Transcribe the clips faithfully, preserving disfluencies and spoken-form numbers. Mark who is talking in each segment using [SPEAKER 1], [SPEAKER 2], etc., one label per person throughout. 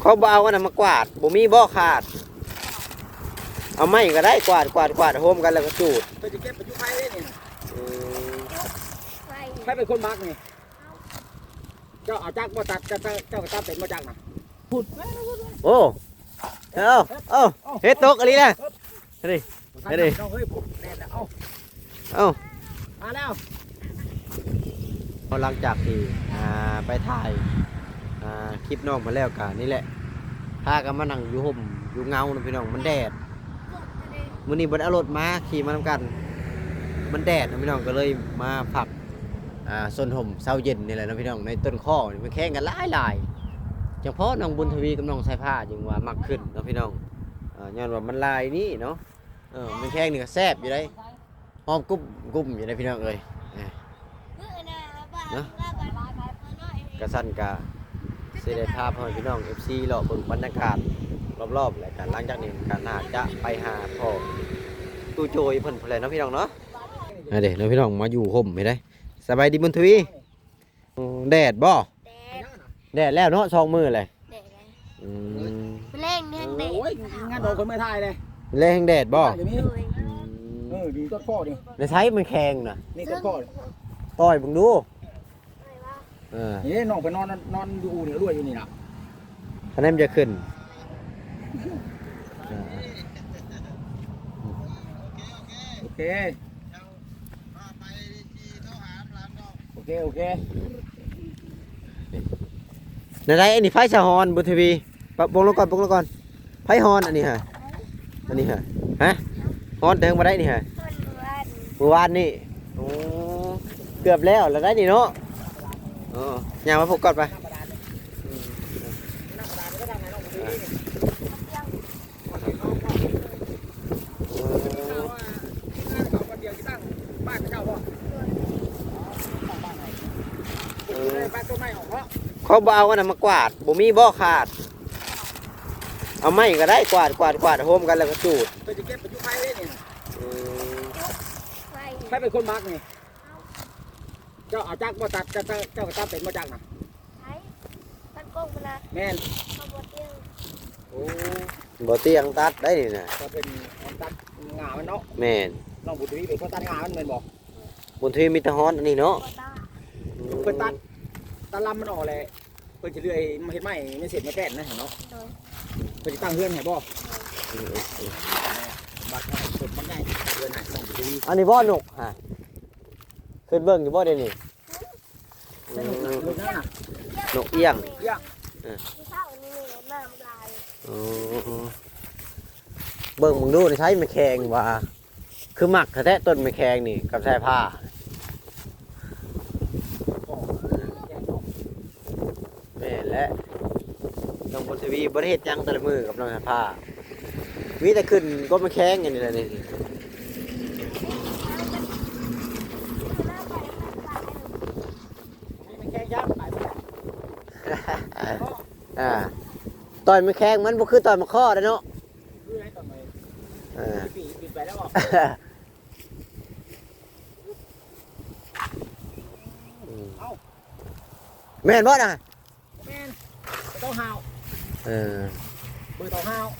[SPEAKER 1] เขาบ่เอาอันนั้นมากวาดบ่มีบ่ขาดเอาไม้ก็ได้กวาดกวาดกวาดโฮมกันแล้วก็จูด
[SPEAKER 2] เพื่อจะเก็บปัจจุบันได้เนี่ย
[SPEAKER 3] ไฟ
[SPEAKER 2] ใครเป็นคนมักนี่เจ้าเอาจักบ่ตัดเจ้าเจ้าก็ตัดเป็นบ่จักนะพูด
[SPEAKER 1] โอ้เอาเอาเฮ็ดตกอะไรนะเฮ้ยเฮ้ย
[SPEAKER 2] เฮ้ยพูดแน่นเอา
[SPEAKER 1] เอา
[SPEAKER 2] มาแล้ว
[SPEAKER 1] หลังจากที่ไปถ่ายคลิปน้องมาแล้วกันนี่แหละพากันมานั่งอยู่ห่มอยู่เงานะพี่น้องมันแดดมื้อนี้บ่ได้เอารถมาขี่มาทำกันมันแดดนะพี่น้องก็เลยมาผักส้นห่มเช้าเย็นนี่แหละนะพี่น้องในต้นข้อมันแข่งกันหลายหลายเฉพาะน้องบุญทวีกับน้องสายผ้าจึงว่ามักขึ้นนะพี่น้องย้อนว่ามันลายนี่เนาะเออมันแข่งนี่ก็แซ่บอยู่ได้หอมกุ้มกุ้มอยู่ได้พี่น้องเอ้ยเนาะกระสั้นกะเสด็จภาพให้พี่น้อง เอฟ ซี เลาะเบิ่งบรรยากาศรอบๆและกันหลังจากนี้ก็น่าจะไปหาพ่อตู้โจยเพิ่นพุ่นแหละเนาะพี่น้องเนาะเด้เนาะพี่น้องมาอยู่ห่มไม่ได้สบายดีบุญทวีแดดบ่แดดแล้วเนาะสองมือเลยอืม
[SPEAKER 3] แรงแห้งแดด
[SPEAKER 2] โอ้ยงานโดนคนไม่ทายเลย
[SPEAKER 1] แรงแดดบ่
[SPEAKER 2] เออดีต้นข้อดิ
[SPEAKER 1] ในใช้มันแข็งน่ะ
[SPEAKER 2] นี่ต้นข้อ
[SPEAKER 1] ต่อยมึงดูเออ
[SPEAKER 2] นี่น้องไปนอนนอนอยู่เนี่ยรวยอยู่นี่นะ
[SPEAKER 1] คะแนนจะขึ้น
[SPEAKER 2] โอเคโอเคโอเค
[SPEAKER 1] ในไรอันนี้ไฟสะฮอนบุญทวีปะปงลงก่อนปงลงก่อนไฟฮอนอันนี้ฮะอันนี้ฮะฮะฮอนเติมมาได้นี่ฮะเมื่อวานนี่โอ้เกือบแล้วแล้วได้นี่เนาะอ๋อย่ามาพกก่อนไปเขาบ่เอาอันนั้นมากวาดบ่มีบ่ขาดเอาไม้ก็ได้กวาดกวาดกวาดโฮมกันแล้วก็จูด
[SPEAKER 2] เพื่อจะเก็บปัจจุบันได้เนี่ยใครเป็นคนมักนี่เจ้าเอาจักบ่ตัดเจ้าเจ้าก็ตัดเป็นบ่จักนะ
[SPEAKER 3] ใช่ตัดกงนะ
[SPEAKER 2] แม่น
[SPEAKER 3] บ่เตียง
[SPEAKER 2] โอ้
[SPEAKER 1] บ่เตียงตัดได้นี่นะ
[SPEAKER 2] ก็เป็นตัดงามันเนาะ
[SPEAKER 1] แม่น
[SPEAKER 2] น้องบุญทวีเป็นคนตัดงามันแม่นบ่
[SPEAKER 1] บุญทวีมีแต่ฮ้อนอันนี้เนาะ
[SPEAKER 2] เพิ่นตัดตะลำมันออกเลยเพิ่นจะเลื่อยมาเฮ็ดไม้ไม่เสร็จไม่แป้นนะเห็นเนาะเพิ่นจะตั้งเฮือนให้บ่บัดสดมันง่ายเฮือนให้น้องบุญทวี
[SPEAKER 1] อันนี้บ่นกฮะขึ้นเบิ่งอยู่บ่เดี๋ยวนี้นกเอี้ยง
[SPEAKER 2] เอี้ยง
[SPEAKER 1] เออเบิ่งมึงดูใช้ไม้แข็งว่าคือหมักแท้ต้นไม้แข็งนี่กับสายผ้าแม่และน้องบุญทวีบ่ได้เฮ็ดหยังแต่ละมือกับน้องสายผ้ามีแต่ขึ้นก็ไม้แข็งอย่างนี้แหละนี่อ่าต่อยไม้แข็งมันบ่คือต่อยมะข้อเด้อเนาะเออแม่นบ่น่ะ
[SPEAKER 2] แม่นเต้าห่าว
[SPEAKER 1] เออ
[SPEAKER 2] เบอร์เต้าห่าว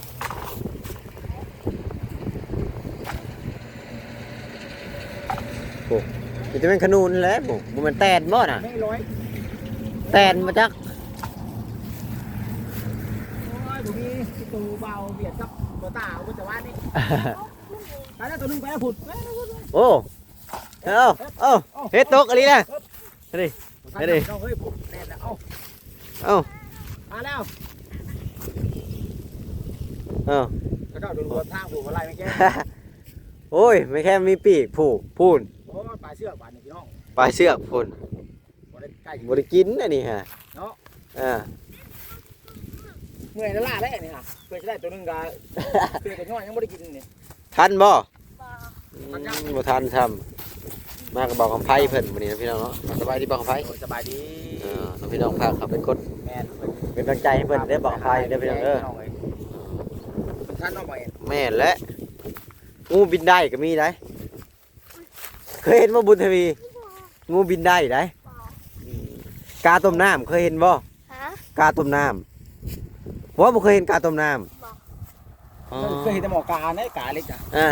[SPEAKER 1] โอ้มันจะเป็นขนูนแล้วบ่บ่มันแตนบ่น่ะ
[SPEAKER 2] ไม่ร้อย
[SPEAKER 1] แตนมาจัก
[SPEAKER 2] โอ้ยบ่มีตูเบาเบียดกับตัวตาเอาแต่ว่านี่ไปแล้วตัวนึงไปแล้วผุด
[SPEAKER 1] โอ้เอ้าเอ้าเฮ็ดตกอะไรนะเฮ้ยเฮ้ย
[SPEAKER 2] เฮ้ยผุดแน่นเอา
[SPEAKER 1] เอ้า
[SPEAKER 2] มาแล้ว
[SPEAKER 1] เอ้า
[SPEAKER 2] ก็ต้องดูรถทางผูกอะไรไม่แก่
[SPEAKER 1] โอ้ยไม่แค่มีปีกผูกพูน
[SPEAKER 2] โอ้ปลายเชือกบาดนี่พี่น้อง
[SPEAKER 1] ปลายเชือกพูนบริกินอันนี้ฮะ
[SPEAKER 2] เนาะ
[SPEAKER 1] อ่า
[SPEAKER 2] เมื่อยนั่นล่าได้นี่ค่ะเพื่อจะได้ตัวนึงก็เพื่อจะน้อยยังไม่ได้กินนี่
[SPEAKER 1] ทันบ่บ่ทันทำมากับบอกคำไพ่เพิ่นวันนี้นะพี่น้องเนาะสบายดีบอกคำไพ่
[SPEAKER 2] สบายดี
[SPEAKER 1] เออน้องพี่น้องพาเขาเป็นคนเป็นกำลังใจให้เพิ่นได้บอกคำไพ่ได้พี่น้องเออ
[SPEAKER 2] ท่านน้องบ่
[SPEAKER 1] แม่และงูบินได้ก็มีได้เคยเห็นว่าบุญทวีงูบินได้ได้กาต้มน้ำเคยเห็นบ่กาต้มน้ำเพราะว่าบ่เคยเห็นกาต้มน้ำ
[SPEAKER 3] บอก
[SPEAKER 1] อ๋อ
[SPEAKER 2] เคยเห็นแต่หมอกาเนี่ยกาเล็กจ้ะ
[SPEAKER 1] อ่า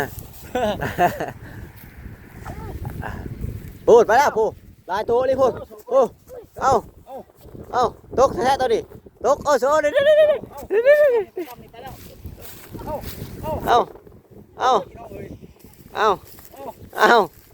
[SPEAKER 1] พูดไปแล้วพูดลายตัวนี่พูดพูดเอาเอาตกแท้ๆตัวนี้ตกโอ้โหเดี๋ยวเดี๋ยวเดี๋ยวเดี๋ยวเดี๋ยวเดี๋ยวเอาเอาเอาเอา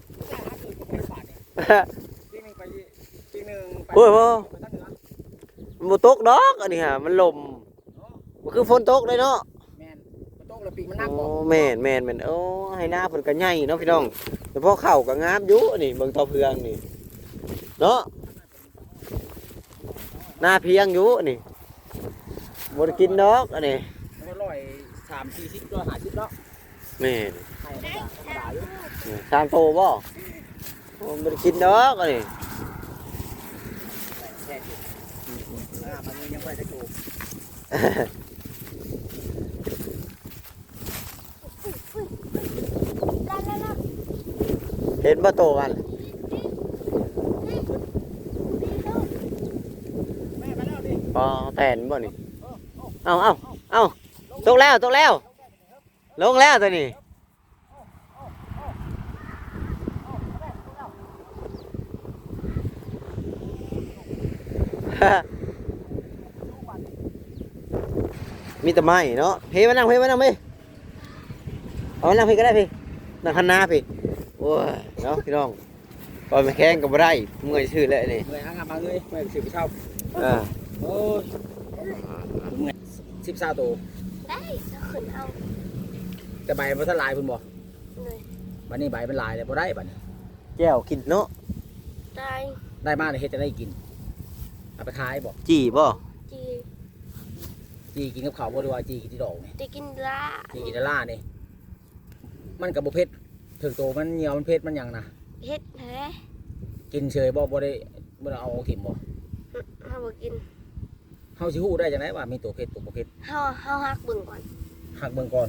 [SPEAKER 2] ปีหนึ่งไปปีหนึ่งไป
[SPEAKER 1] โอ้ยโอ้
[SPEAKER 2] ไปทางเหนือ
[SPEAKER 1] มันบ่ตกดอกอันนี้ฮะมันลมมันคือฝนตกเลยเนาะ
[SPEAKER 2] แมนมันตกแล้วปีกมันนัก
[SPEAKER 1] โอ้
[SPEAKER 2] บ่
[SPEAKER 1] แม่นแม่นแม่นโอ้ให้หน้าเพิ่นก็ใหญ่เนาะพี่น้องแต่พอเข้าก็งามอยู่อันนี้เบิ่งต่อเพื่องนี่เนาะหน้าเพียงอยู่อันนี้บ่ได้กินดอกอันนี้
[SPEAKER 2] มันก็ร้อยสามสี่สิบร้อยห้าสิบเนาะ
[SPEAKER 1] แม่น
[SPEAKER 2] ให้ธรรมดาธรรมดาอยู่
[SPEAKER 1] นี่สามโตบ่โอ้บ่ได้กินดอกอันนี้
[SPEAKER 2] แค่สิบอ่ามันยังไม่ได้ถูก
[SPEAKER 3] ได้แล้วนะ
[SPEAKER 1] เห็นบ่โตกัน
[SPEAKER 2] แม่ไปแล้วดิ
[SPEAKER 1] ปอแตนบ่นี่เอาเอาเอาตกแล้วตกแล้วลงแล้วตัวนี้ มีแต่ไม้เนาะพี่มานั่งพี่มานั่งพี่เอามานั่งพี่ก็ได้พี่นั่งคันนาพี่โอ้ยเนาะพี่น้องก่อนมาแข่งกับบ่ได้เมื่อยชื่อแล้วนี่
[SPEAKER 2] เมื่อยหางานมาเลยเมื่อยสิบเช่า
[SPEAKER 1] เออ
[SPEAKER 2] โอ้ยเมื่อยสิบสามตัว
[SPEAKER 3] ได้จะขึ้นเอา
[SPEAKER 2] แต่ใบมันทลายเพิ่นบ่
[SPEAKER 3] เลย
[SPEAKER 2] บัดนี้ใบมันลายแล้วบ่ได้บัดนี้
[SPEAKER 1] แก้วกินเนาะ
[SPEAKER 3] ได้
[SPEAKER 2] ได้มาเนี่ยเฮ็ดจะได้กินเอาไปขายบ่
[SPEAKER 1] จีบ่
[SPEAKER 3] จี
[SPEAKER 2] จีกินกับข้าวบ่หรือว่าจีกินที่ดอกนี่
[SPEAKER 3] จะกินละ
[SPEAKER 2] จีกินแต่ล่านี่มันก็บ่เผ็ดถึงโตมันเหนียวมันเผ็ดมันหยังนะ
[SPEAKER 3] เฮ็ดแท้
[SPEAKER 2] กินเฉยบ่บ่ได้บ่ได้เอาถิ่มบ่
[SPEAKER 3] เฮาบ่กิน
[SPEAKER 2] เฮาสิฮู้ได้จังไดว่ามีตัวเผ็ดตัวบ่เผ็ด
[SPEAKER 3] เฮาเฮาฮักเบิ่งก่อน
[SPEAKER 2] หักเบิ่งก่อน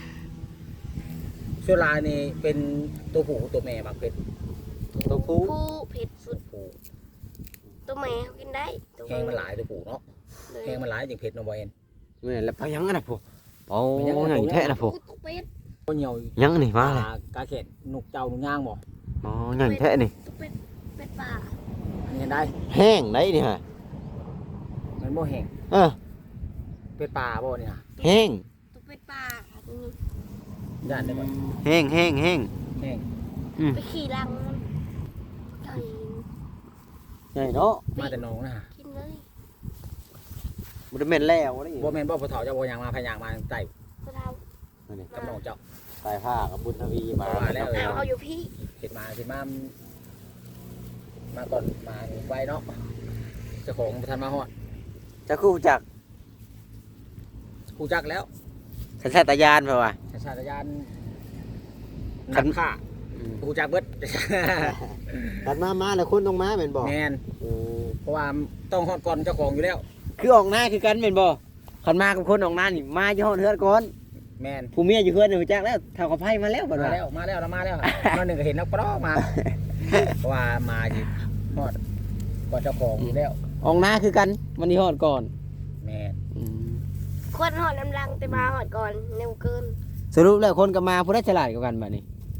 [SPEAKER 2] ส่วนลายนี่เป็นตัวผู้ตัวแม่บักเผ็ด
[SPEAKER 1] ตัวคู่
[SPEAKER 3] ผู้เผ็ดสุด
[SPEAKER 2] ผู้
[SPEAKER 3] ตัวแม่เขากินได้ตัว
[SPEAKER 2] แห้งมันหลายตัวผู้เนาะ
[SPEAKER 3] เลย
[SPEAKER 2] แห้งมันหลายจังเผ็ดเนาะบ่เอ็น
[SPEAKER 1] แม่นแล้วไปยังกันน่ะพ่อโอ้ยยังแท้น่ะพ่อ
[SPEAKER 3] ตัวเป็ด
[SPEAKER 2] บ่เหนียว
[SPEAKER 1] ยังนี่มาเลย
[SPEAKER 2] กาเข็ดนกเจ้านกย่างบ่
[SPEAKER 1] อ๋อยังแท้นี่
[SPEAKER 3] ตัวเป็ดเป็ดป่า
[SPEAKER 2] อันนี้เห็นได้
[SPEAKER 1] แห้งได้นี่ฮะ
[SPEAKER 2] มันบ่แห้ง
[SPEAKER 1] เออ
[SPEAKER 2] เป็ดป่าบ่นี่ฮะ
[SPEAKER 1] แห้ง
[SPEAKER 3] ตัวเป็ดป่านี่
[SPEAKER 2] ย่านได้บ่
[SPEAKER 1] แห้งแห้งแห้ง
[SPEAKER 2] แห้ง
[SPEAKER 1] อืม
[SPEAKER 3] ไปขี่รังมันไก่
[SPEAKER 1] ใหญ่เนาะ
[SPEAKER 2] มาแต่หนองนะฮะ
[SPEAKER 3] กินเลย
[SPEAKER 1] บ่ได้แม่นแล้วนี่
[SPEAKER 2] บ่แม่นบ่ผู้เฒ่าเจ้าบ่ยังมาพยางมาใต้
[SPEAKER 3] พวกเรา
[SPEAKER 1] นี่
[SPEAKER 2] กับน้องเจ้า
[SPEAKER 1] สายผ้ากับบุญทวีมา
[SPEAKER 2] ว่าแล้ว
[SPEAKER 3] เอาเอาอยู่พี่
[SPEAKER 2] เฮ็ดมาเฮ็ดมามาก่อนมาไวเนาะเจ้าของบ่ทันมาฮอด
[SPEAKER 1] จะคู่จัก
[SPEAKER 2] กูจักแล้ว
[SPEAKER 1] สัญชาตญาณเปล่าวะ
[SPEAKER 2] สัญชาตญาณ
[SPEAKER 1] ขั
[SPEAKER 2] นั
[SPEAKER 1] น
[SPEAKER 2] กฆ่ากูจักเบิด
[SPEAKER 1] ตัดมามาแล้วคนต้องมาแม่นบ่
[SPEAKER 2] แม่น
[SPEAKER 1] โอ้
[SPEAKER 2] เพราะว่าต้องฮอดก่อนเจ้าของอยู่แล้ว
[SPEAKER 1] คือออกหน้าคือกันแม่นบ่คันมากับคนออกหน้านี่มาอยู่ฮ้อนเฮือนก่อน
[SPEAKER 2] แม่น
[SPEAKER 1] ผู้เมียอยู่เฮือนนี่รู้จักแล้วเท่ากับไผมาแล้วบัด
[SPEAKER 2] มา
[SPEAKER 1] ว่า
[SPEAKER 2] แล้วมาแล้วเรามาแล้วมาหนึ่งก็เห็นนักปลอมา เพราะว่ามาอยู่ฮอดก่อนเจ้าของอยู่แล้ว
[SPEAKER 1] ออกหน้าคือกันมันนี่ฮอดก่อน
[SPEAKER 2] แม่น
[SPEAKER 1] อืม
[SPEAKER 3] ควรหอดน้ำลังแต่มาหอดก่อนเร็วเกิน
[SPEAKER 1] สรุปแล้วคนก็มาผู้ใดฉลาดกว่ากันบัดนี้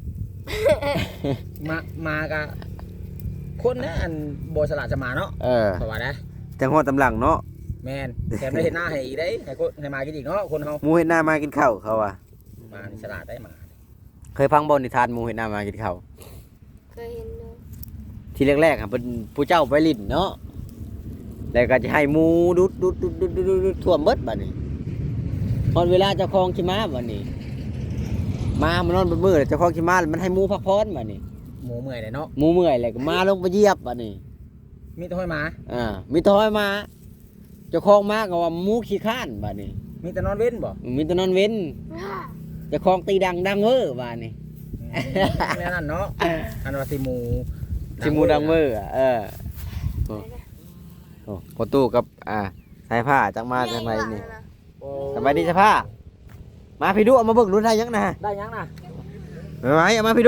[SPEAKER 2] มามากับคนนะอันโบสลาดจะมาเนาะ
[SPEAKER 1] เออ
[SPEAKER 2] เพราะว่าได้
[SPEAKER 1] จังฮอดตำหลังเนาะ
[SPEAKER 2] แม่นแถมได้เห็นหน้าให้อีกได้ให้คนให้มากินอีกเนาะคนเฮา
[SPEAKER 1] หมูเห็นหน้ามากินข้าวเขาอ่ะ
[SPEAKER 2] มานี่ฉลาดได้มา
[SPEAKER 1] เคยฟังบ่นิทานหมูเห็นหน้ามากินข้าว
[SPEAKER 3] เคยเห็นเลย
[SPEAKER 1] ทีแรกๆอ่ะเป็นผู้เจ้าไปลิ้นเนาะแล้วก็จะให้หมูดุดดุดดุดดุดดุดดุดท่วมเบิดบัดนี้ตอนเวลาเจ้าของขี้ม้าบัดนี้มามันนอนบนมือแล้วเจ้าของขี้ม้ามันให้หมูพักผ่อนบัดนี้
[SPEAKER 2] หมูเมื่อยเลยเนาะ
[SPEAKER 1] หมูเมื่อยแล้วก็มาลงไปเหยียบบัดนี้
[SPEAKER 2] มีแต่ห้อยหมา
[SPEAKER 1] อ่ามีแตห้อยมาเจ้าของมาก็ว่าหมูขี้ข้านบัดนี้
[SPEAKER 2] มีแต่นอนเว้นบ่
[SPEAKER 1] มีแต่นอนเว้นเจ้าของตีดังดังเว้อบัดนี้
[SPEAKER 2] แม่นั่นเนาะอันว่าสิหมู
[SPEAKER 1] ที่หมูดังเว้ออ่ะเออโอ้โอ้พอตู้กับอ่าสายผ้าจังมาจังไรนี่
[SPEAKER 2] โอ้
[SPEAKER 1] สบายดีสายผ้ามาพี่ดูเอามาเบิ่งดูได้ยังนะ
[SPEAKER 2] ได้ยังน่ะ
[SPEAKER 1] ไม่ไหวเอามาพี่ดู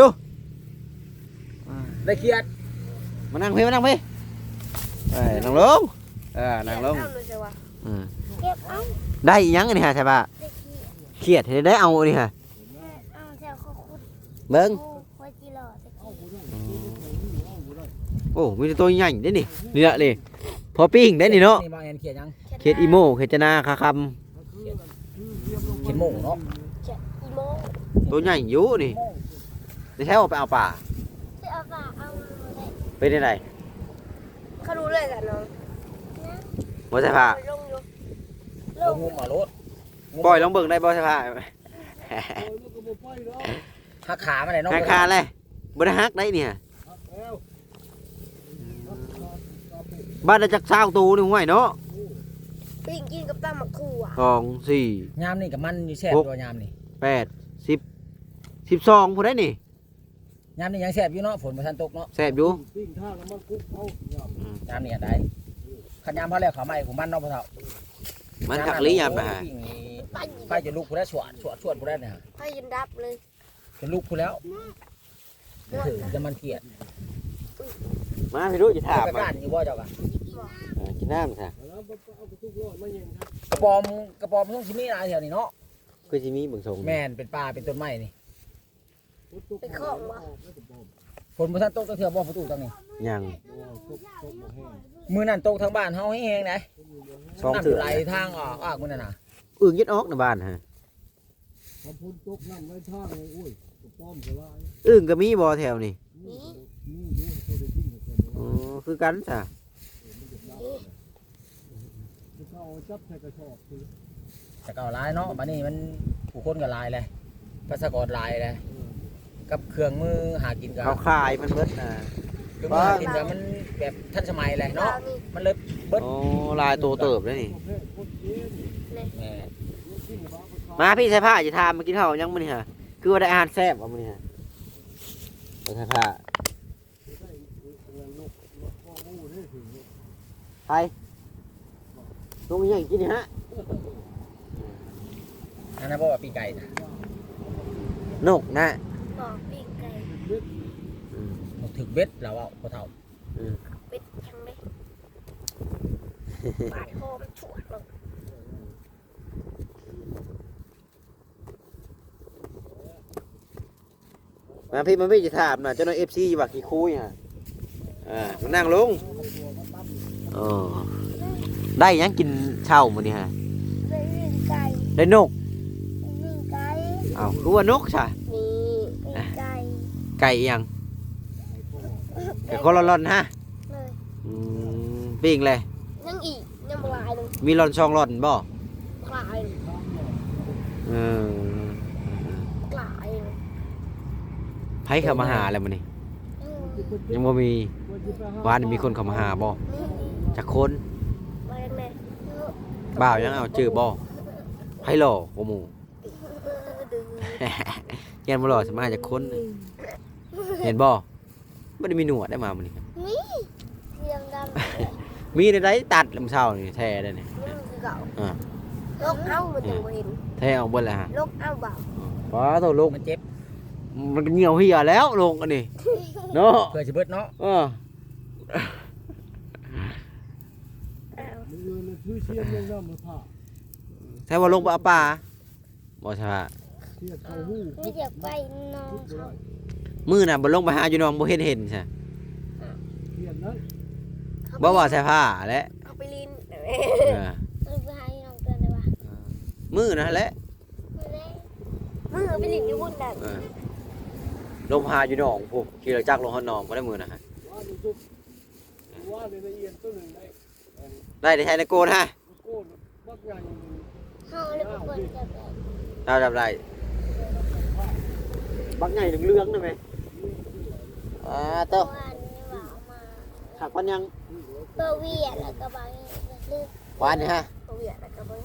[SPEAKER 2] ได้เครียด
[SPEAKER 1] มานั่งพี่มานั่งพี่เอ้ยนั่งลงเออนั่งลง
[SPEAKER 3] เอาเลยสิวะ
[SPEAKER 1] อืม
[SPEAKER 3] เก็บเอา
[SPEAKER 1] ได้อีหยังอันนี้ฮะใช่ปะ
[SPEAKER 3] ได้ขี้
[SPEAKER 1] เครียดให้ได้เอาอันนี้ฮะ
[SPEAKER 3] เอาแซวเขาคุด
[SPEAKER 1] เบิ้ง
[SPEAKER 3] โอ้ไว้จีหล่อตะกี้
[SPEAKER 1] โอ้มีแต่ตัวใหญ่ได้นี่นี่ละนี่พอปิ้งได้นี่เนาะ
[SPEAKER 2] นี่บางแอนเขียนยัง
[SPEAKER 1] เขียดอีโมเขียดจนาคาค
[SPEAKER 2] เขียนโม่เนาะ
[SPEAKER 3] เขียดอีโม
[SPEAKER 1] ำตัวใหญ่อยู่นี่ได้ใช้เอาไปเอาป่า
[SPEAKER 3] ไปเอาฝาเอาเลย
[SPEAKER 1] ไปได้ไหน
[SPEAKER 3] เขารู้เลยกันน้อง
[SPEAKER 1] บ่ใช่ผ้า
[SPEAKER 3] ลงอยู่ล
[SPEAKER 2] เรา
[SPEAKER 3] ง
[SPEAKER 2] งมมารถ
[SPEAKER 1] ปล่อยลองเบิ่งได้บ่ใช่ผ้า
[SPEAKER 2] หักขามาเลยเนาะ
[SPEAKER 1] หักคาเลยบ่ได้หักได้เนี่ยบ้านได้จักเช้าตูนี่ห่วยเนาะ
[SPEAKER 3] ปิ้งกินกับตำหมักขู่อ่ะ
[SPEAKER 1] สองสี่
[SPEAKER 2] ยามนี่กับมันอยู่แซ่บตัวยามนี่
[SPEAKER 1] แปดสิบสิบสองผู้ได้นี่
[SPEAKER 2] ยามนี่ยังแซ่บอยู่เนาะฝนมาทันตกเนาะ
[SPEAKER 1] แซ่บอยู่
[SPEAKER 2] ยามนี่ได้ขันยามพอแล้วขาใหม่ของมันเนาะพ่อเฒ่า
[SPEAKER 1] มันขักลี้ยามไปหา
[SPEAKER 3] ไป
[SPEAKER 2] ไปจะลุกผู้ได้สวดสวดสวดผู้ได้เนี่ย
[SPEAKER 3] ไปยินดับเลย
[SPEAKER 2] จะลุกผู้แล้วถือจะมันเกลียด
[SPEAKER 1] มาพี่รู้จะถาม
[SPEAKER 2] ไป
[SPEAKER 1] มา
[SPEAKER 2] บ้านอยู่บ่เจ้ากัน
[SPEAKER 1] เออกินน้ำซะ
[SPEAKER 2] กระปอมกระปอมต้องชิมีอะไรแถวนี้เนาะ
[SPEAKER 1] คือสิมีเบิ่งทรง
[SPEAKER 2] แม่นเป็นป่าเป็นต้นไม้นี่
[SPEAKER 3] ไปคล้องวะ
[SPEAKER 2] ฝนมาทันตกตะเถื่อบ่ประตูตรงนี้
[SPEAKER 1] ยัง
[SPEAKER 2] มือนั่นตกทางบ้านเฮาให้แห้งไหน
[SPEAKER 1] สอง
[SPEAKER 2] น้ำ
[SPEAKER 1] เถื่อ
[SPEAKER 2] ไหลทางออกออกมือนั่นน่ะ
[SPEAKER 1] อึ่งยึดออกในบ้านฮะอึ่งก็มีบ่แถวนี่
[SPEAKER 3] นี่
[SPEAKER 1] อ๋อคือกันซะ
[SPEAKER 2] แต่ก็ลายเนาะบัดนี้มันผู้คนก็ลายเลยภาษากรลายเลยกับเครื่องมือหากินกัน
[SPEAKER 1] เขาคายมันเบิดน่ะ
[SPEAKER 2] เครื่องมือหากินกันมันแบบทันสมัยเลยเนาะ
[SPEAKER 3] เรานี่
[SPEAKER 2] มันเลยเบิด
[SPEAKER 1] โอ้ลายตัวเติบเลยนี่
[SPEAKER 2] แม่
[SPEAKER 1] มาพี่ใส่ผ้าจะทามมากินข้าวยังมื้อนี่ฮะคือว่าได้อาหารแซ่บว่ามื้อนี่ฮะไปใส่ผ้าไปลงอีหยังกินนี่ฮะ
[SPEAKER 2] อันนั้นบอกว่าปีไก่นะ
[SPEAKER 1] นกนะ
[SPEAKER 3] บอกปิ้งไก่
[SPEAKER 1] อืม
[SPEAKER 2] บอกถึกเบ็ดแล้วอ่ะพ่อเฒ่า
[SPEAKER 1] อืม
[SPEAKER 3] เป็ดทั้งเลยบาดคอมันฉวดลง
[SPEAKER 1] มาพี่มาพี่จะถามน่ะเจ้าน้อย เอฟ ซี ว่ากี่คุยฮะอ่ามานั่งลงอ๋อได้หยังกินเช้ามื้อนี้ฮะ
[SPEAKER 3] เลยปิ้งไก่
[SPEAKER 1] ได้นก
[SPEAKER 3] ปิ้งไก่
[SPEAKER 1] อ้าวคือว่านกใช่
[SPEAKER 3] นี่ปิ้งไก่
[SPEAKER 1] ไก่อีหยังไก่คนละร่อนฮะ
[SPEAKER 3] เลย
[SPEAKER 1] อืมปิ้งเลย
[SPEAKER 3] ยังอีกยังบ่ลายเลย
[SPEAKER 1] มีร่อนช่องร่อนบ่
[SPEAKER 3] กลายเลย
[SPEAKER 1] เออก
[SPEAKER 3] ลายเลย
[SPEAKER 1] ไผเข้ามาหาแล้วมื้อนี้
[SPEAKER 3] อืม
[SPEAKER 1] ยังบ่มีบ้านนี่มีคนเข้ามาหาบ่
[SPEAKER 3] นี่
[SPEAKER 1] จักคน
[SPEAKER 3] มาแน่เออ
[SPEAKER 1] บ่าวยังเอาจื้อบ่ไผหล่อบ่หมู่
[SPEAKER 3] ดื้อ
[SPEAKER 1] แกนบ่หล่อสิมาจากคน เห็นบ่บ่ได้มีหนวดได้มามื้อนี้
[SPEAKER 3] นี่เสียงดัง
[SPEAKER 1] มีได้ไดตัดลำเช้านี่แท้ได้นี่
[SPEAKER 3] นี่มันคือเก่า
[SPEAKER 1] อ่า
[SPEAKER 3] ลกเอ้ามันถึงบ่เห็น
[SPEAKER 1] แท้เอาเบิดแล้วฮะ
[SPEAKER 3] ลกเอ้าเบา
[SPEAKER 1] ป้าโตลง
[SPEAKER 2] มันเจ็บ
[SPEAKER 1] มันก็เหี่ยวเหี่ยแล้วลงอันนี้เนาะ
[SPEAKER 2] เพื่อสิเบิดเนาะ
[SPEAKER 1] เออ
[SPEAKER 3] อ้าว
[SPEAKER 1] แท้ว่าลงไปเอาปลาบ่ใช่ว่า
[SPEAKER 3] ไม่อยากไปน้องเขา
[SPEAKER 1] มื้อน่ะบ่ลงไปหาอยู่น้องบ่เห็นเห็นใช่บ่ว่าใส่ผ้าแหละ
[SPEAKER 3] เอาไปลิน
[SPEAKER 1] เออ
[SPEAKER 3] เอาไปหาน้องเตือนได้ปะ
[SPEAKER 1] มื้อนั่นแหละ
[SPEAKER 3] มือไปลินอยู่บุญนั่น
[SPEAKER 1] เออลงหาอยู่น้องพวกขี่รถจักรลงหาน้องบ่ได้มื้อนะฮะได้ได้ใช้ในโกนฮะ
[SPEAKER 3] เขาเลยไปเปิดจับเลย
[SPEAKER 1] เราจับได้บักใหญ่เหลืองๆได้ไหมอ่าเต้า
[SPEAKER 3] วันนี้ว่าเอามา
[SPEAKER 1] หักมันยัง
[SPEAKER 3] เพื่อเวียดแล้วก็บางลืม
[SPEAKER 1] หวานนี่ฮะ
[SPEAKER 3] เพื่อเวียดแล้วก็บาง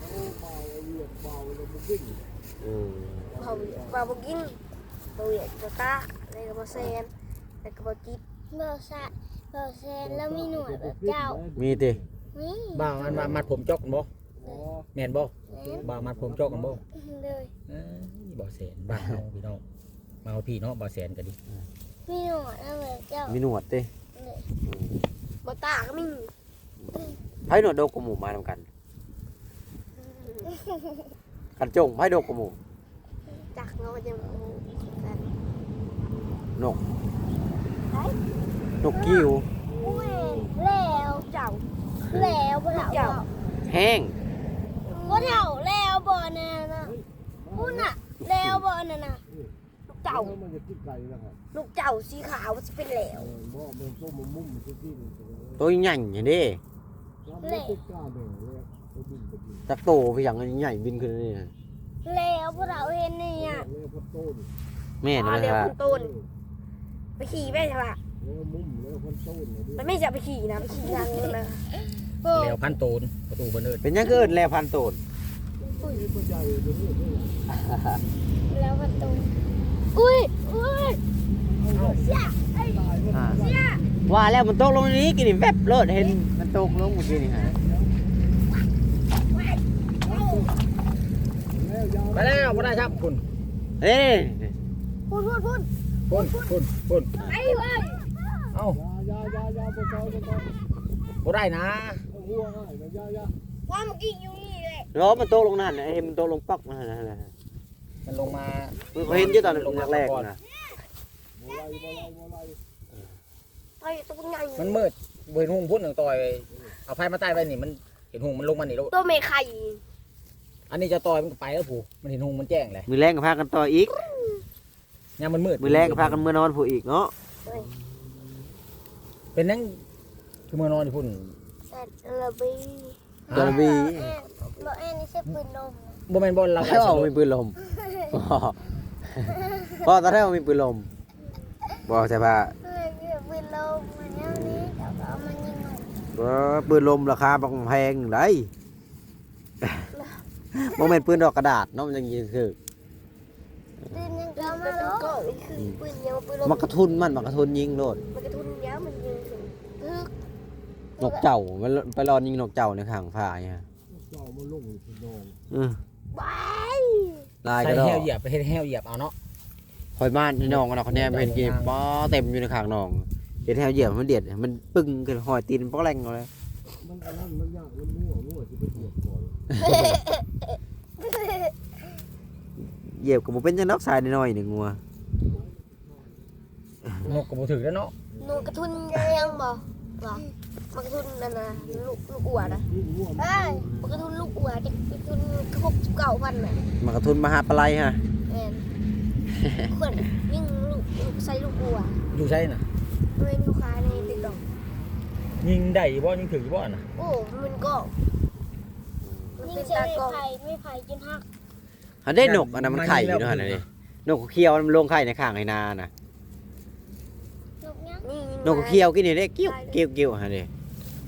[SPEAKER 1] อืม
[SPEAKER 3] เผาเผาบุกินเพื่อเวียดก็ตาแล้วก็บาเซนแล้วก็บาจิตเบาซะเบาเซนแล้วมีหนวดแบบเจ้า
[SPEAKER 1] มีติ
[SPEAKER 3] นี่
[SPEAKER 2] บ่าวมันมามัดผมจอกกันบ่แม่นบ่
[SPEAKER 3] เห็น
[SPEAKER 2] บ่าวมัดผมจอกกันบ่
[SPEAKER 3] เลย
[SPEAKER 2] เอ้ยบ่าวแสนบ้านเฮาพี่น้องมาเอาพี่เนาะบ่าวแสนก็ดี
[SPEAKER 3] มีหนวดแล้วแบบเจ้า
[SPEAKER 1] มีหนวดติ
[SPEAKER 3] เลยบาตาก็มี
[SPEAKER 1] ไผหนวดโดกกับหมูมานำกัน
[SPEAKER 3] ม
[SPEAKER 1] กันจงไผดกกว่าหมู่
[SPEAKER 3] จักเนาะยังบ่กัน
[SPEAKER 1] นกนกกิ้ว
[SPEAKER 3] แล้วเจ้าแล้วบ่เจ้า
[SPEAKER 1] แห้ง
[SPEAKER 3] บ่เจ้าแล้วบ่นั่นน่ะพุ่นน่ะแล้วบ่นั่นน่ะลูกเจ้า
[SPEAKER 4] มันจะกินไก่นะครับ
[SPEAKER 3] ลูกเจ้าสีขาวสิเป็นแล้ว
[SPEAKER 4] บ่มันต้มมันมุ่มมันจะกิน
[SPEAKER 1] ตัวใหญ่อย่างนี้
[SPEAKER 4] แล้วมันติดกล้าเด้อเลยไปบินไปบิน
[SPEAKER 1] จักโตไปอย่างใหญ่บินขึ้นนี่
[SPEAKER 3] แล้วบ่เราเห็นนี่อ่ะ
[SPEAKER 4] แล้วก็ต้น
[SPEAKER 1] แม่น
[SPEAKER 3] อ๋อ
[SPEAKER 1] นะ
[SPEAKER 3] เดี๋ยว
[SPEAKER 1] ครั
[SPEAKER 3] คุ
[SPEAKER 1] บ
[SPEAKER 3] ณตูนไปขี่แม่ใช่ปะ
[SPEAKER 4] แล้วมุ่มแล้วคนต้น
[SPEAKER 3] มันไม่จะไปขี่นะไปขี่ทางนู้นนะ
[SPEAKER 2] แล้วพันโตนประตูเพิ่นเอิ้น
[SPEAKER 1] เป็นยังเกิดแล้วพันโตน
[SPEAKER 4] นี่มันใหญ่เลยนี่นี่
[SPEAKER 3] แล้วประตูอุ้ยอุ้ยเสียไอ้
[SPEAKER 1] อ่า
[SPEAKER 3] เสีย
[SPEAKER 1] ว่าแล้วมันตกลงนี้กินนี่แวบเลิศเห็นมันตกลงเมื่อกี้นี่ฮะ
[SPEAKER 4] แล้วยาว
[SPEAKER 2] ไปแล้วบ่ได้ครับคุณ
[SPEAKER 1] เอ้ย
[SPEAKER 3] พุ่นพุ่นพุ่น
[SPEAKER 2] คุณคุณคุณ
[SPEAKER 3] ไอ้เว้ย
[SPEAKER 2] เอ้าย
[SPEAKER 4] ายายาบนเสาบนเสา
[SPEAKER 2] บ่ได้นะ
[SPEAKER 4] หัวง่ายนะยายา
[SPEAKER 3] ว่าเมื่อกี้อยู่นี่เลย
[SPEAKER 1] แล้วมันตกลงนั่นน่ะเห็นมันตกลงปักนั่นน่ะ
[SPEAKER 2] มันลงมา
[SPEAKER 1] มันเห็นอยู่ตอนแรกๆนะ
[SPEAKER 4] โมไลโมไลโมไล
[SPEAKER 3] ไอ้ตัวใหญ่
[SPEAKER 2] มันมืดบ่เห็นหุงพุ่นหนึ่งต่อยเอาไฟมาใต้ไว้นี่มันเห็นหุงมันลงมานี่แล้ว
[SPEAKER 3] ตัวเมฆไข่
[SPEAKER 2] อันนี้จะต่อยมันก็ไปแล้วผู้มันเห็นหุงมันแจ้งเลย
[SPEAKER 1] มือแรงก็พากันต่ออีก
[SPEAKER 2] ยามมันมืด
[SPEAKER 1] มือแรงก็พากันมือนอนผู้อีกเนาะ
[SPEAKER 2] เป็นนั่งคือมือนอนอยู่พุ่น
[SPEAKER 3] สัตว์ระบี
[SPEAKER 1] กระบี
[SPEAKER 3] รถแอนนี่ใช่ปืนลม
[SPEAKER 2] บ่แม่นบอลเรา
[SPEAKER 1] แล้วเอามีปืนลมพ่อตอนแรกมีปืนลมบอกใช่ปะ
[SPEAKER 3] เฮ้ยปืนลมมันเนี้ยนี้เดี๋ยวเอามันยิงมัน
[SPEAKER 1] ว่าปืนลมราคาบางแพงไรโมเมนปืนดอกกระดาษเนาะมันยังยิงคือ
[SPEAKER 3] ปืนยังเอามาแล้วคือปืนเดียวปืนลม
[SPEAKER 1] มันกระทุนมันมันกระทุนยิงโลด
[SPEAKER 3] มันกระทุนเดียวมันยิงถึงพึก
[SPEAKER 1] นกเจ้ามันไปรอยิงนกเจ้าในข้างผ้าเนี่ย
[SPEAKER 4] เจ้ามันลงสุดดอง
[SPEAKER 1] อือ
[SPEAKER 3] ไป
[SPEAKER 1] ลาย
[SPEAKER 2] ใส่
[SPEAKER 1] ก็ดอ
[SPEAKER 2] แห้ว
[SPEAKER 1] ก
[SPEAKER 2] เหยียบไปเฮ็ดแห้วเหยียบเอาเนาะ
[SPEAKER 1] คอยบ้านที่น้องกันเนาะเขาแนมเห็นกี่ป้อเต็มอยู่ในข้างน้องเห็นแถวเหยียบมันเดียดมันปึ้งขึ้นหอยตีนป้อแรงเลย
[SPEAKER 4] มันอันนั้นมันยากมันมั่วมั่วจะไปเหยียบก่อน
[SPEAKER 1] เหยียบกับมันเป็นจังนอกสายน้อยๆหนึ่งงัวน
[SPEAKER 2] กก็บ่ถึกแล้วเนาะ
[SPEAKER 3] หนูกระทุนยังบ่บ่มันกระทุนนั่นนะลูกลูกอัวนะ
[SPEAKER 4] ยิ่งมั่ว
[SPEAKER 3] เอ้ยมันกระทุนลูกอัวเด็กกระทุนหกสิบเก้าพันน่ะ
[SPEAKER 1] มันกระทุนมหาปลายฮะ
[SPEAKER 3] แม่นคนยิ่งลูกลูกใส่ลูกอัว
[SPEAKER 2] อยู่ใช่น่ะ
[SPEAKER 3] เป็นลูกค้าในติ๊กต็อก
[SPEAKER 2] ยิงได้บ่ยิงถึกบ่น่ะ
[SPEAKER 3] โอ้มันก็มันเป็นตากล้องไม่ไผ่จนหัก
[SPEAKER 1] เขาได้นกอันนั้นมันไข่อยู่ด้วยนะนี่นกเขียวมันลงไข่ในข้างไอ้นาน่ะ
[SPEAKER 3] นกยังนี่
[SPEAKER 1] นกเขียวกินนี่ได้กิ้วกิ้วกิ้วฮะนี่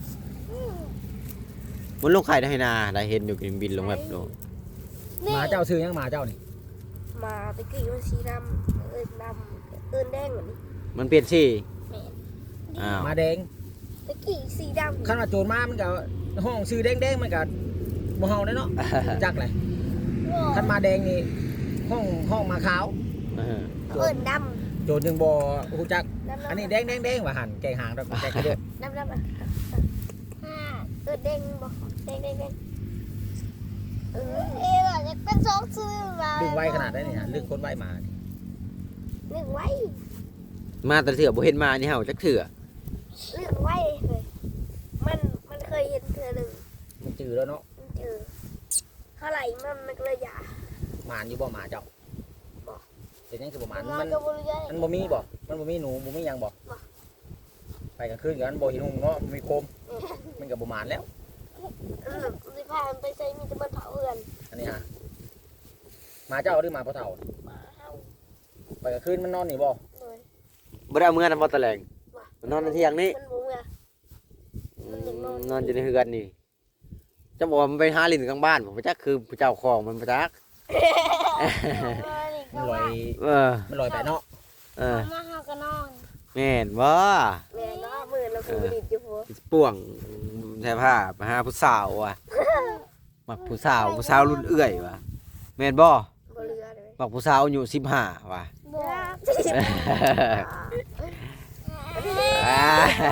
[SPEAKER 1] มันลงไข่ในไอ้นาได้เห็นอยู่กินบินลงแบบโด
[SPEAKER 2] หมาเจ้าซื้อยังหมาเจ้านี่
[SPEAKER 3] มาตะกี้มันสีดำเอินดำเอินแดงเหมือน
[SPEAKER 1] มันเปลี่ยนสี
[SPEAKER 3] แม่
[SPEAKER 1] อ้าว
[SPEAKER 2] หมาแดง
[SPEAKER 3] ตะกี้สีดำ
[SPEAKER 2] คันว่าโจรมามันก็ห้องซื้อแดงๆมันก็บ่เฮาได้เนาะจักเลยคันมาแดงนี่ห้องห้องมาขาว
[SPEAKER 1] เออ
[SPEAKER 3] เอินด
[SPEAKER 2] โจรจึงบ่ฮู้จัก
[SPEAKER 3] ำดำ
[SPEAKER 2] อันนี้แดงๆๆว่าหั่นแกงหางดอกแกงเด้อ
[SPEAKER 3] ดำดำอ่ะอ่าเอินแดงบอกแดงแดงแดงเออเออจะเป็นสองซื้อมา
[SPEAKER 2] ดึงไว้ขนาดได้นี่ฮะลึกคนไว้มานี่
[SPEAKER 3] เรื่องไว้
[SPEAKER 1] มาแต่เถื่อบ่เห็นมานี่เห่าจักเถื่อ
[SPEAKER 3] เรื่องไว้เลยมันมันเคยเห็นเธอหนึ่ง
[SPEAKER 2] มันจือแล้วเนาะ
[SPEAKER 3] มันเจอเท่าไหร่มันมันก็เลยหย่า
[SPEAKER 2] หมานอยู่บ่หมาเจ้าเป็นยังคือบ่หมาน
[SPEAKER 3] มั
[SPEAKER 2] มัน น
[SPEAKER 3] ก็บริยา
[SPEAKER 2] มันบ่มีบ่มันบ่มีหนูบ่มีหยังบ่ไปกลางคืนกันบ่เห็นหุงเนาะมีโคมมันก็บ่หมานแล้ว
[SPEAKER 3] สิพามันไปใส่มีแต่มันเผาเอือน
[SPEAKER 2] อันนี้ฮะหมาเจ้าหรือหมาพ่อเฒ่า
[SPEAKER 3] หมาเห่า
[SPEAKER 2] ไปกลางคืนมันนอนนี่บ่
[SPEAKER 3] เลย
[SPEAKER 1] บ่ได้เอาเมื่อนำบ่ตะแลงมันนอนในเที่ยงนี่
[SPEAKER 3] มันบุ้งอ่ะ
[SPEAKER 1] นอนอยู่ในเฮือนนี่จะบอกว่ามันไปหาลิ้นกลางบ้านผมจักคือเจ้าของมันบ่จัก
[SPEAKER 2] มันลอย
[SPEAKER 1] เออ
[SPEAKER 2] มันลอยไปเนาะ
[SPEAKER 1] เออ
[SPEAKER 3] มาหากันนอน
[SPEAKER 1] แม่นบ่
[SPEAKER 3] แม่น้อมือเราคือดิดอยู่หัว
[SPEAKER 1] ป่วงแท้ผ้ามาหาผู้สาวว่ะมักผู้สาวผู้สาวรุ่นเอื้อยว่ะแม่นบ่
[SPEAKER 3] บ่เรือเลย
[SPEAKER 1] มักผู้สาวอายุสิบห้าว่ะ
[SPEAKER 3] บ่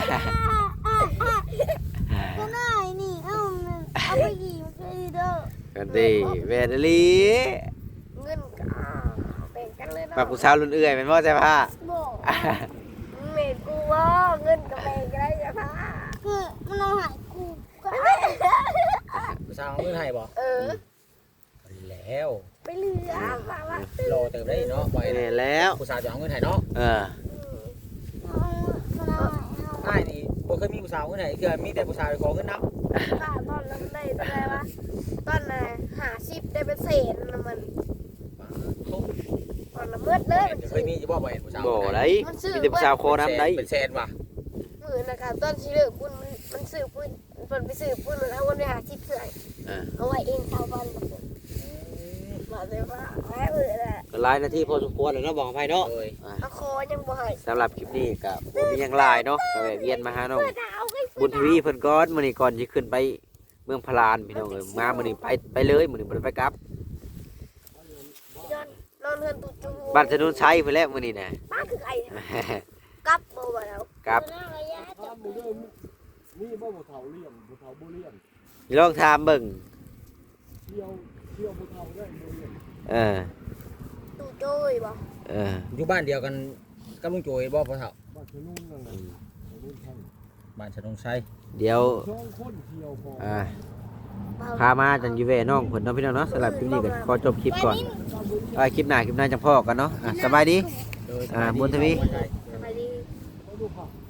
[SPEAKER 3] ก็ได้นี่เอ้าเอาไปกี่มันก็ดีเด้อ
[SPEAKER 1] กันดีแม่นอีหลี
[SPEAKER 3] เงินก็แบ่งกันเลยเนาะ
[SPEAKER 1] มาผู้สาวรุ่นเอื้อยแม่นบ่ใช่ผ้า
[SPEAKER 3] บอกเมดกูว่าเงินกับแบ่งกันได้จ้ะพ่อคือมันเอาหายกูก็
[SPEAKER 2] ผู้สาวเอาเงินให้บ่
[SPEAKER 3] เออ
[SPEAKER 2] แล้ว
[SPEAKER 3] ไปเหลือมาว่า
[SPEAKER 2] รอเติมได้เนาะบ่
[SPEAKER 1] แม่นแล้ว
[SPEAKER 2] ผู้สาวจะเอาเงินให้เนาะ
[SPEAKER 1] เออ
[SPEAKER 2] อ้ายนี่บ่เคยมีผู้สาวเงินให้คือมีแต่ผู้สาวไปขอเงินนำ
[SPEAKER 3] ป้าตอนนั้นได้เท่าไหร่วะตอนน่ะหาสิบได้เป็นเศษนะมันตอนละเมื่อเลยมัน
[SPEAKER 2] เคยมีอยู่บ่บ่เห็นผู้สาว
[SPEAKER 1] บ่ได้มีแต่ผู้สาวโคน้ำได้
[SPEAKER 2] เป็นแสนว่ะ
[SPEAKER 3] มือนะคะตอนที่เลิกปุ้นมันมันซื้อปุ้นมันไปซื้อปุ้นมันเอาเงินไปหาสิบเสื่อย
[SPEAKER 1] เออ
[SPEAKER 3] เอาไว้เองชาวบ้านมาเลยว่าแม่เออแหละ
[SPEAKER 1] ก็หลายนาทีพอสมควรแล้วเนาะบอกให้เนาะ
[SPEAKER 2] โอ้ย
[SPEAKER 1] อ่ะ
[SPEAKER 3] เอาคอยังบ่ให้
[SPEAKER 1] สำหรับคลิปนี้ก็บ่มีหยังหลายเนาะก็แวะเวียนมาหาน้อง
[SPEAKER 3] เพื่อดาวให้
[SPEAKER 1] บุญทวีเพิ่นก่อนมื้อนี้ก่อนสิขึ้นไปเมืองพารานพี่น้องเอ้ยมามื้อนี้ไปไปเลยมื้อนี้บ่ได้ไปกลับ
[SPEAKER 3] นอนนอนเฮือนตุจู
[SPEAKER 1] บ้านถนนชัยเพิ่นแหละมื้อนี้น่ะ
[SPEAKER 3] บ้านคือไอ้กลับบ่มาแล้ว
[SPEAKER 1] กลับ
[SPEAKER 4] ถ้ามึงเด้อนี่บ่บ่เฒ่าเลี้ยงบ่เฒ่าบ่เลี้ยง
[SPEAKER 1] ลองถามเบิ่ง
[SPEAKER 4] เที่ยวเที่ยวบ่เฒ่าได้บ่เลี้ยง
[SPEAKER 1] เออ
[SPEAKER 3] ตุโจ้ยบ่
[SPEAKER 1] เออ
[SPEAKER 2] อยู่บ้านเดียวกันกับลุงโจยบ่พ่อเฒ่า
[SPEAKER 4] บ้านชะนุ่งนั่นน่ะชะนุ่งท่าน
[SPEAKER 2] บ้านชะนงชัย
[SPEAKER 1] เดี๋ยว
[SPEAKER 4] สองคนเที่ยวพอ
[SPEAKER 1] อ่าพามาจังอยู่แว่น้องเพิ่นเนาะพี่น้องเนาะสำหรับคลิปนี้ก็ขอจบคลิปก่อนเอาไว้คลิปหน้าคลิปหน้าจังพ่อกันเนาะอ่ะสบายดี
[SPEAKER 2] โดย
[SPEAKER 1] อ่าบุญทวี
[SPEAKER 3] สบายดี
[SPEAKER 4] บ่ดูค่ะ